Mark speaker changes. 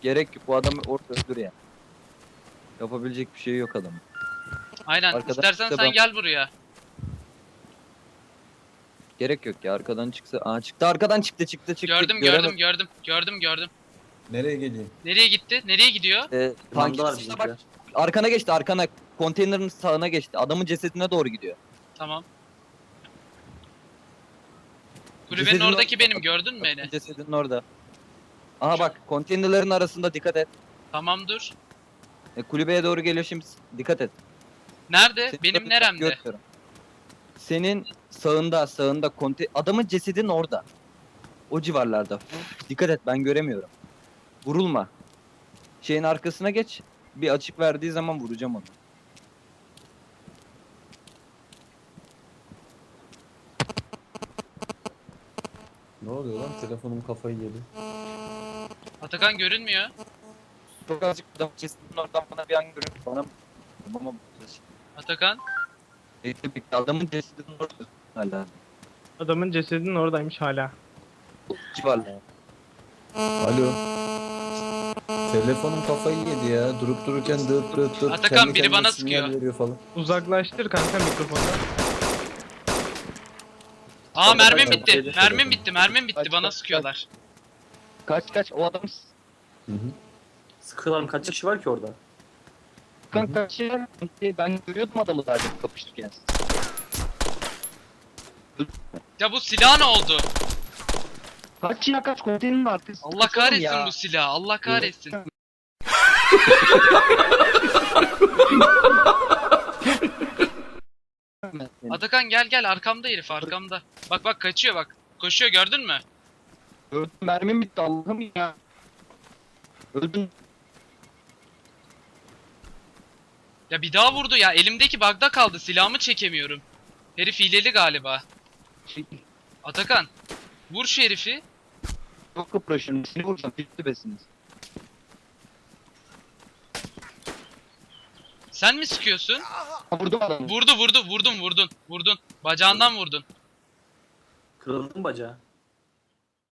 Speaker 1: Gerek yok. Bu adamı orada öldür ya. Yapabilecek bir şey yok adamın.
Speaker 2: Aynen.
Speaker 1: Arkadan
Speaker 2: İstersen
Speaker 1: çıksa
Speaker 2: sen
Speaker 1: ben-
Speaker 2: gel buraya.
Speaker 1: Gerek yok ya. Arkadan çıksa. Aa çıktı. Arkadan çıktı.
Speaker 2: Gördüm
Speaker 1: Göremedim.
Speaker 2: gördüm.
Speaker 3: Nereye geleyim?
Speaker 2: Nereye gitti? Nereye gidiyor?
Speaker 1: Tank
Speaker 4: Limandalar
Speaker 1: işte bak.
Speaker 4: bizimkiler.
Speaker 1: Arkana geçti. Arkana. Konteynerin sağına geçti. Adamın cesedine doğru gidiyor.
Speaker 2: Tamam. Kulübenin
Speaker 1: Cesedin
Speaker 2: oradaki
Speaker 1: orada.
Speaker 2: benim, gördün mü beni?
Speaker 1: Cesedin orada. Aha bak. Konteynerlerin arasında dikkat et.
Speaker 2: Tamam dur.
Speaker 1: Kulübeye doğru geliyor şimdi. Dikkat et.
Speaker 2: Nerede?
Speaker 1: Seni
Speaker 2: Benim
Speaker 1: böyle
Speaker 2: neremde?
Speaker 1: görmüyorum. Senin sağında adamın cesedin orada. O civarlarda. Dikkat et, ben göremiyorum. Vurulma. Şeyin arkasına geç. Bir açık verdiği zaman vuracağım onu.
Speaker 3: Ne oluyor lan? Telefonum kafayı yedi.
Speaker 2: Atakan görünmüyor.
Speaker 1: Çok azıcık adamın cesedinin oradan bana bir an görüyor. Bana
Speaker 2: Atakan.
Speaker 1: adamın cesedinin orada hala.
Speaker 5: Adamın cesedinin oradaymış hala.
Speaker 1: Civarlarda.
Speaker 3: Alo. Telefonum kafayı yedi ya. Durup dururken dıt.
Speaker 2: Atakan,
Speaker 3: Kendi
Speaker 2: biri
Speaker 3: kendine
Speaker 2: bana
Speaker 3: sinyal
Speaker 2: sıkıyor.
Speaker 3: veriyor falan.
Speaker 5: Uzaklaştır kanka mikrofondan.
Speaker 2: Aa, mermim
Speaker 3: kaç,
Speaker 2: bitti.
Speaker 3: kaç,
Speaker 2: Mermim bitti.
Speaker 1: kaç,
Speaker 2: Bana
Speaker 1: kaç,
Speaker 2: sıkıyorlar.
Speaker 1: Kaç o adam
Speaker 3: Hı hı.
Speaker 4: Sıkılan kaç kişi var ki orada?
Speaker 1: kaç ya? Ben görüyordum adamı daha çok kapışırken.
Speaker 2: Ya bu silah ne oldu?
Speaker 1: Kaç konteynerin arkası.
Speaker 2: Allah kahretsin bu silah. Allah kahretsin. Atakan gel arkamda herif, arkamda. Bak kaçıyor bak. Koşuyor, gördün mü?
Speaker 1: Öldüm, mermim bitti Allah'ım ya. Öldüm.
Speaker 2: Ya bir daha vurdu ya. Elimdeki bug'da kaldı. Silahımı çekemiyorum. Herif hileli galiba. Atakan. Vur şu herifi.
Speaker 1: Çok kıpraşıyorum. Seni vuracağım. Bitti besiniz.
Speaker 2: Sen mi sıkıyorsun?
Speaker 1: Vurdum adamı.
Speaker 2: Vurdun. Bacağından vurdun.
Speaker 4: Kırıldı mı bacağı?